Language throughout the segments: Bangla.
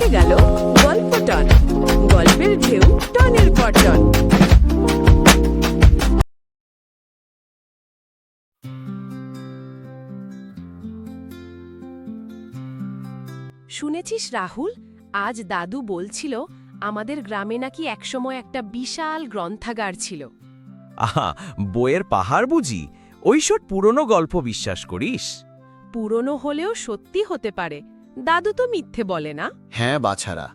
গেল গল্প টন, গল্পের ঢেউ টনের পর টন। শুনেছিস রাহুল, আজ দাদু বলছিল আমাদের গ্রামে নাকি একসময় একটা বিশাল গ্রন্থাগার ছিল। আহা, বইয়ের পাহাড় বুঝি? ওইসব পুরনো গল্প বিশ্বাস করিস? পুরনো হলেও সত্যি হতে পারে, দাদু তো মিথ্যে বলে না। হ্যাঁ বাছারা,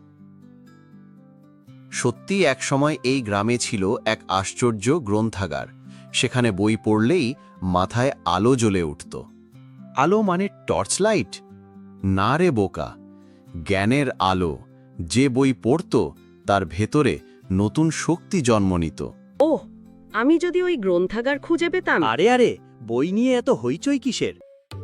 সত্যি একসময় এই গ্রামে ছিল এক আশ্চর্য গ্রন্থাগার। সেখানে বই পড়লেই মাথায় আলো জ্বলে উঠত। আলো মানে টর্চ লাইট? না রে বোকা, জ্ঞানের আলো। যে বই পড়ত তার ভেতরে নতুন শক্তি জন্ম নিত। ওহ, আমি যদি ওই গ্রন্থাগার খুঁজে পেতাম। আরে আরে, বই নিয়ে এত হইচই কিসের?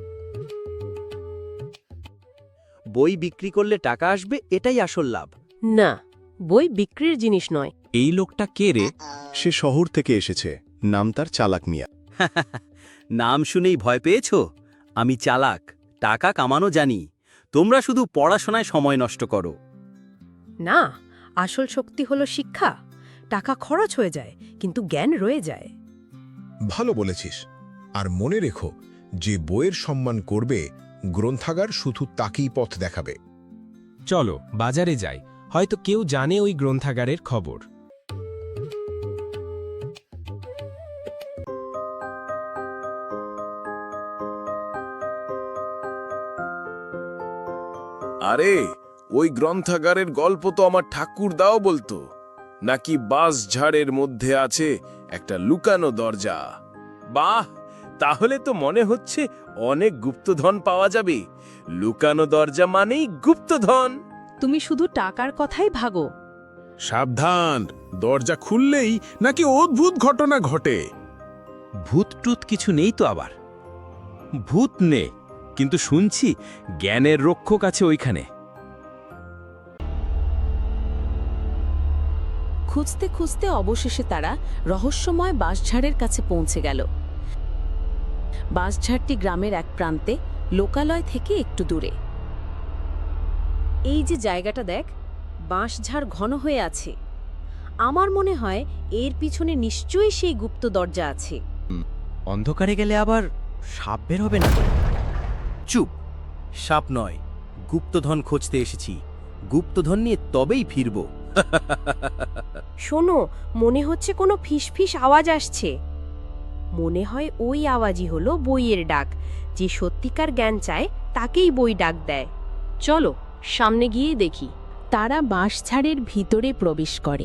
বই বিক্রি করলে টাকা আসবে, এটাই আসল লাভ। না, বই বিক্রির জিনিস নয়। এই লোকটা কে রে? সে শহর থেকে এসেছে, নাম তার চালাক মিয়া। নাম শুনেই ভয় পেয়েছ? আমি চালাক, টাকা কামানো জানি। তোমরা শুধু পড়াশোনায় সময় নষ্ট করো। না, আসল শক্তি হলো শিক্ষা। টাকা খরচ হয়ে যায় কিন্তু জ্ঞান রয়ে যায়। ভালো বলেছিস। আর মনে রেখো, যে বইয়ের সম্মান করবে, গ্রন্থাগার শুধু তাকেই পথ দেখাবে। চলো বাজারে যাই, হয়তো কেউ জানে ওই গ্রন্থাগারের খবর। আরে, ওই গ্রন্থাগারের গল্প তো আমার ঠাকুরদাও বলতো, নাকি বাঁশঝাড়ের মধ্যে আছে একটা লুকানো দরজা। বাহ, তাহলে তো মনে হচ্ছে অনেক গুপ্তধন পাওয়া যাবে। লুকানো দরজা মানেই গুপ্তধন। তুমি শুধু টাকার কথাই ভাগো। সাবধান, দরজা খুললেই নাকি অদ্ভুত ঘটনা ঘটে। ভূত টুত কিছু নেই তো আবার? ভূত নে, কিন্তু শুনছি জ্ঞানের রক্ষক আছে ওইখানে। খুঁজতে খুঁজতে অবশেষে তারা রহস্যময় বাঁশঝাড়ের কাছে পৌঁছে গেল। বাঁশঝাড়টি গ্রামের এক প্রান্তে, লোকালয় থেকে একটু দূরে। এই যে জায়গাটা দেখ, বাঁশঝাড় ঘন হয়ে আছে। আমার মনে হয় এর পিছনে নিশ্চয়ই সেই গুপ্ত দরজা আছে। অন্ধকারে গেলে আবার সাপ বের হবে না? চুপ, সাপ নয়, গুপ্তধন খুঁজতে এসেছি। গুপ্তধন নিয়ে তবেই ফিরব। শোনো, মনে হচ্ছে কোনো ফিসফিস আওয়াজ আসছে। মনে হয় ওই আওয়াজই হলো বইয়ের ডাক। যে সত্যিকার জ্ঞান চায় তাকেই বই ডাক দেয়। চলো সামনে গিয়ে দেখি। তারা বাঁশঝাড়ের ভিতরে প্রবেশ করে।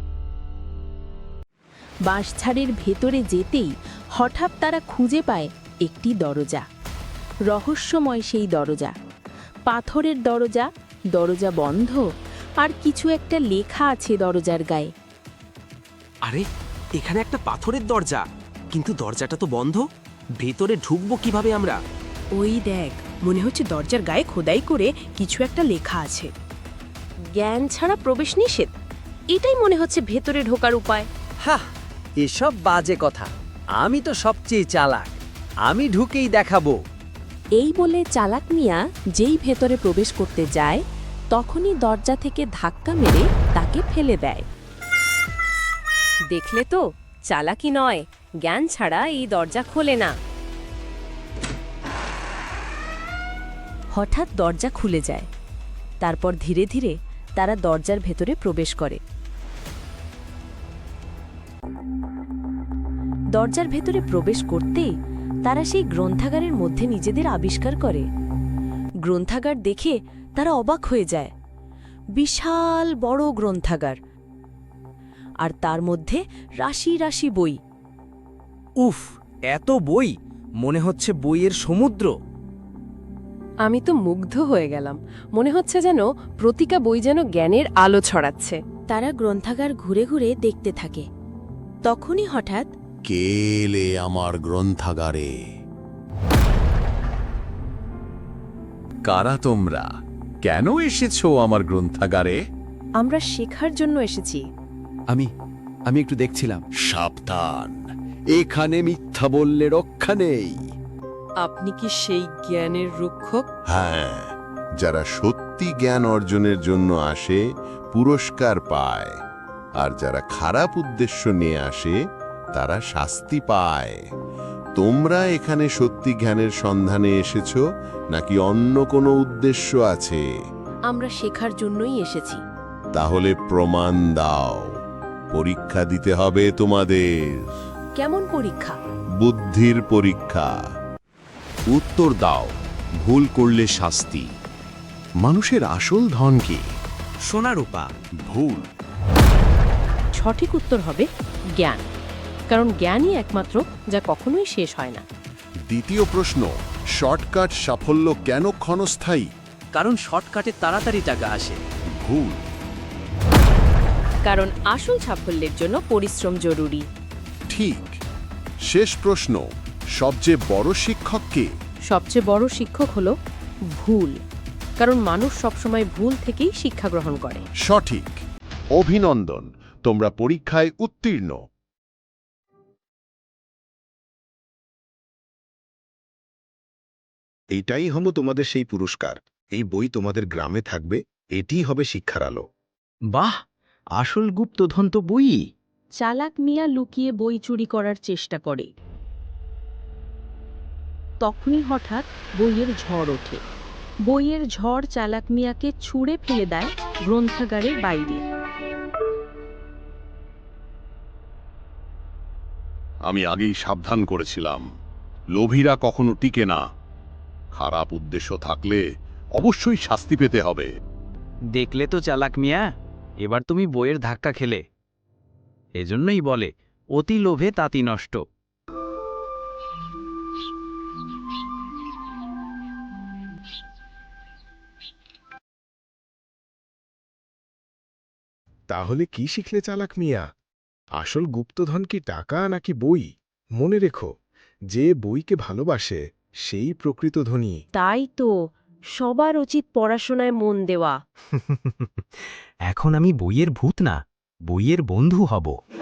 বাঁশঝাড়ের ভেতরে যেতেই হঠাৎ তারা খুঁজে পায় একটি দরজা। রহস্যময় সেই দরজা, পাথরের দরজা, দরজা বন্ধ, আর কিছু একটা লেখা আছে দরজার গায়ে। আরে, এখানে একটা পাথরের দরজা, কিন্তু দরজাটা তো বন্ধ। ভেতরে ঢুকবো কিভাবে আমরা? ওই দেখ, মনে হচ্ছে দরজার গায়ে খোদাই করে কিছু একটা লেখা আছে। জ্ঞান ছাড়া প্রবেশ নিষেধ। এটাই মনে হচ্ছে ভেতরে ঢোকার উপায়। হ্যাঁ, এসব বাজে কথা। আমি তো সবচেয়ে চালাক, আমি ঢুকেই দেখাবো। এই বলে চালাক মিয়া যেই ভেতরে প্রবেশ করতে যায়, তখনই দরজা থেকে ধাক্কা মেরে তাকে ফেলে দেয়। দেখলে তো, চালাকি নয়, জ্ঞান ছাড়া এই দরজা খোলে না। হঠাৎ দরজা খুলে যায়। তারপর ধীরে ধীরে তারা দরজার ভেতরে প্রবেশ করে। দরজার ভেতরে প্রবেশ করতেই তারা সেই গ্রন্থাগারের মধ্যে নিজেদের আবিষ্কার করে। গ্রন্থাগার দেখে তারা অবাক হয়ে যায়। বিশাল বড় গ্রন্থাগার, আর তার মধ্যে রাশি রাশি বই। উফ, এত বই! মনে হচ্ছে বইয়ের সমুদ্র। আমি তো মুগ্ধ হয়ে গেলাম। মনে হচ্ছে যেন প্রতিটা বই যেন জ্ঞানের আলো ছড়াচ্ছে। তারা গ্রন্থাগার ঘুরে ঘুরে দেখতে থাকে। তখনই হঠাৎ কে এলে আমার গ্রন্থাগারে? কারা তোমরা? কেন এসেছো আমার গ্রন্থাগারে? আমরা শেখার জন্য এসেছি। আমি একটু দেখছিলাম। সাবধান, এখানে মিথ্যা বললে রক্ষা নেই। আপনি কি সেই জ্ঞানের রক্ষক? হ্যাঁ, যারা সত্যি জ্ঞান অর্জনের জন্য আসে পুরস্কার পায়, আর যারা খারাপ উদ্দেশ্য নিয়ে আসে তারা শাস্তি পায়। তোমরা এখানে সত্যি জ্ঞানের সন্ধানে এসেছো নাকি অন্য কোনো উদ্দেশ্য আছে? আমরা শেখার জন্যই এসেছি। তাহলে প্রমাণ দাও। পরীক্ষা দিতে হবে তোমাদের। কেমন পরীক্ষা? বুদ্ধির পরীক্ষা। উত্তর দাও, ভুল করলে শাস্তি। মানুষের আসল ধন কি? সোনারূপা। ভুল। সঠিক উত্তর হবে জ্ঞান, কারণ জ্ঞানই একমাত্র যা কখনোই শেষ হয় না। দ্বিতীয় প্রশ্ন, শর্টকাট সাফল্য কেন ক্ষণস্থায়ী? কারণ শর্টকাটে তাড়াতাড়ি টাকা আসে। ভুল। কারণ আসল সাফল্যের জন্য পরিশ্রম জরুরি। ঠিক। শেষ প্রশ্ন, সবচেয়ে বড় শিক্ষক কে? সবচেয়ে বড় শিক্ষক হলো ভুল, কারণ মানুষ সবসময় ভুল থেকেই শিক্ষা গ্রহণ করে। সঠিক। অভিনন্দন, তোমরা পরীক্ষায় উত্তীর্ণ। এইটাই হলো তোমাদের সেই পুরস্কার। এই বই তোমাদের গ্রামে থাকবে, এটিই হবে শিক্ষার আলো। বাহ, আসল গুপ্তধন তো বই। চালাক মিয়া লুকিয়ে বই চুরি করার চেষ্টা করে। তখনই হঠাৎ বইয়ের ঝড় ওঠে। বইয়ের ঝড় চালাক মিয়াকে ছুঁড়ে ফেলে দেয় গ্রন্থাগারের বাইরে। আমি আগেই সাবধান করেছিলাম, লোভীরা কখনো টিকে না। খারাপ উদ্দেশ্য থাকলে অবশ্যই শাস্তি পেতে হবে। দেখলে তো চালাক মিয়া, এবার তুমি বইয়ের ধাক্কা খেলে। এজন্যই বলে, অতি লোভে তাতি নষ্ট। তাহলে কি শিখলে চালাক মিয়া? আসল গুপ্তধন কি টাকা নাকি বই? মনে রেখো, যে বইকে ভালোবাসে সেই প্রকৃত ধনী। তাই তো সবার উচিত পড়াশোনায় মন দেওয়া। এখন আমি বইয়ের ভূত না, বইয়ের বন্ধু হব।